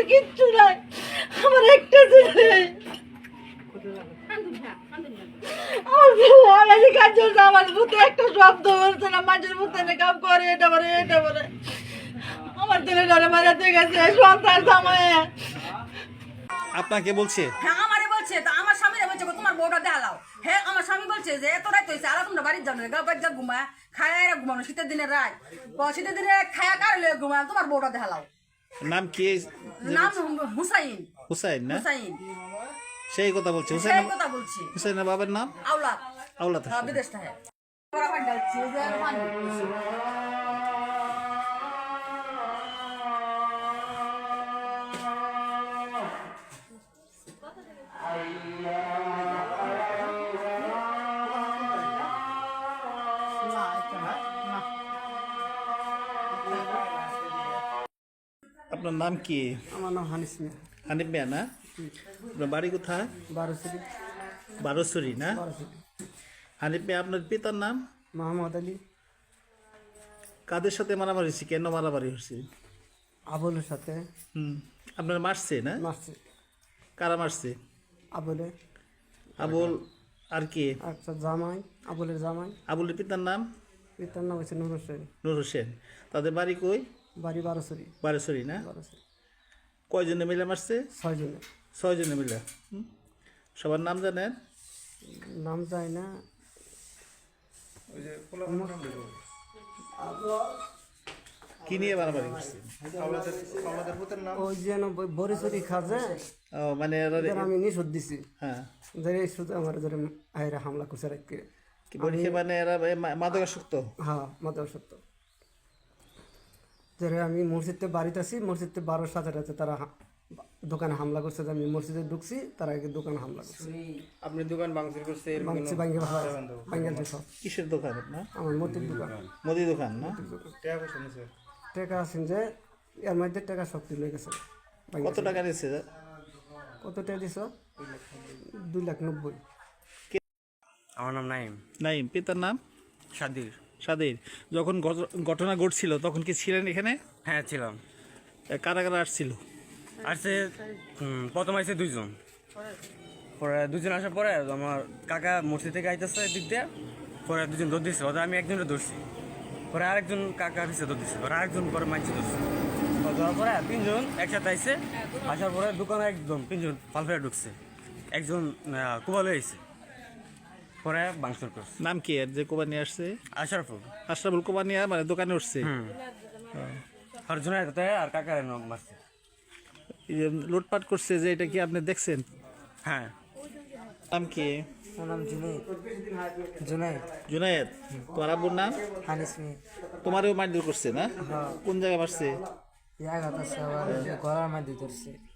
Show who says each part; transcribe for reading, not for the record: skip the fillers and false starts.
Speaker 1: কিচ্ছু নাই, আমার একটা ছেলে। আমি কাজ করছে, আমার বুতে একটা শব্দ বলছে না, মাঝের বুতে কাম করে, এটা বলে এটা বলে। আমার ছেলে ধরে মারাতে গেছে সন্তান জামাই।
Speaker 2: আপনাকে বলছে?
Speaker 3: হ্যাঁ আমারে বলছে, তা আমার স্বামীরে বলছে তোমার বউটা দেখালাও। হ্যাঁ আমার স্বামী বলছে যে এত রাত হয়েছে, আর তোমরা বাড়ির যাও না, গা বাড়ি যা ঘুমা খায়া ঘুমানো, শীতের দিনের রাত, শীতের দিনে খায়া কারলে ঘুমা, তোমার বউটা দেখালাও।
Speaker 2: নাম কি?
Speaker 3: নাম হুসাইন।
Speaker 2: হুসাইন না?
Speaker 3: হুসাইন
Speaker 2: সেই কথা বলছে।
Speaker 3: সেই
Speaker 2: হুসাইন,
Speaker 3: কথা বলছি।
Speaker 2: হুসাইনের বাবার নাম
Speaker 3: আওলাদ।
Speaker 2: আওলাদ
Speaker 3: হ্যাঁ
Speaker 2: হোসেন।
Speaker 3: বিদেশ থেকে ওরা বাড়ি যাচ্ছে, যে পানি।
Speaker 2: আপনার নাম কি?
Speaker 4: আমার নাম হানিস মিয়া।
Speaker 2: হানিফ মিয়া না? আপনার বাড়ি কোথায়?
Speaker 4: বারোসরি।
Speaker 2: বারোসরি না?
Speaker 4: বারোসরি।
Speaker 2: হানিফ মিয়া, আপনার পিতার নাম?
Speaker 4: মোহাম্মদ আলী।
Speaker 2: কাদের সাথে মারামারি হয়েছে? কেন মারামারি হয়েছে?
Speaker 4: আবুলের সাথে
Speaker 2: আপনার মারছে না?
Speaker 4: মারছে।
Speaker 2: কারা মারছে?
Speaker 4: আবুলে
Speaker 2: আবুল আর কি?
Speaker 4: একটা জামাই, আবুলের জামাই।
Speaker 2: আবুলের পিতার নাম?
Speaker 4: পিতার নাম হচ্ছে নূর হোসেন।
Speaker 2: নূর হোসেন। তাদের বাড়ি কই?
Speaker 4: বাড়ি বারোসরি।
Speaker 2: বারোসরি না?
Speaker 4: বারোসরি।
Speaker 2: কয়জনে মিলে মারছে?
Speaker 4: 6 জনে।
Speaker 2: 6 জনে মিলে। সবার নাম জানেন?
Speaker 4: নাম যায় না।
Speaker 2: কি নিয়ে মারামারি করছে?
Speaker 4: ওই যেন বরিশরি খাজে
Speaker 2: ও মানে
Speaker 4: আমি নিষেধ দিছি,
Speaker 2: হ্যাঁ,
Speaker 4: ধরে শুধু আমার ধরে আয়রা হামলা করছে রাখতে।
Speaker 2: কি বলছে মানে এরা মাদকাসক্ত?
Speaker 4: হ্যাঁ মাদক সত্য। ধরে আমি মসজিদে বাড়িতে আছি, মসজিদে 12 সাথে রাতে তারা দোকানে হামলা করছে। আমি মসজিদে ঢুকছি, তারা আগে দোকানে হামলা করছে।
Speaker 5: আপনি দোকান ভাঙচুর করছে?
Speaker 4: ভাঙছে, ভাঙ্গেল সব।
Speaker 2: কিসের দোকান আপনার?
Speaker 4: আমার মতির দোকান।
Speaker 2: মুদি দোকান না?
Speaker 4: টাকা আছেন যে এর মধ্যে টাকা সব তুলে গেছে।
Speaker 2: কত টাকা নিচ্ছে?
Speaker 4: কত টাকা দিছ? 2,90,000।
Speaker 5: আমার নাম নাইম।
Speaker 2: নাইম। পিতার নাম?
Speaker 5: সাদির।
Speaker 2: সাদির। যখন ঘটনা ঘটছিল তখন কি ছিলেন এখানে?
Speaker 5: হ্যাঁ ছিলাম।
Speaker 2: কারা কারা আসছিল?
Speaker 5: আসছে প্রথম আসছে 2 জন, পরে 2 জন আসার পরে আমার কাকা মসজিদ থেকে আইতেছে দিক দিয়ে, পরে 2 জন দৌড় দিচ্ছে, ওদের আমি একজনকে ধরছি, পরে আরেকজন কাকা পিছিয়ে দৌড় দিচ্ছে, পরে আরেকজন পরে মাইছে ধরছে, ধরার পরে 3 জন একসাথে আইসে। আসার পরে দোকানে একদম 3 জন ফালফেরা ঢুকছে, একজন কুবালে আইসে, পরে ভাঙচুর করছে।
Speaker 2: নাম কি এর যে কোবানি আসছে?
Speaker 5: আশরাফুল।
Speaker 2: আশরাফুল কোবানিয়া মানে দোকানে উঠছে?
Speaker 5: আর জনের আর কাকার মারছে।
Speaker 2: এই যে লুটপাট করছে যে, এটা কি আপনি দেখছেন?
Speaker 5: হ্যাঁ।
Speaker 2: নাম কি?
Speaker 4: আমার নাম জুনাইদ। জুনাইদ।
Speaker 2: জুনায়েদ। তোমার আব্বুর নাম?
Speaker 4: হানিস মিয়া।
Speaker 2: তোমারও মারধর করছে না? কোন জায়গায় মারছে?
Speaker 4: আবার গলার মধ্যে ধরছে।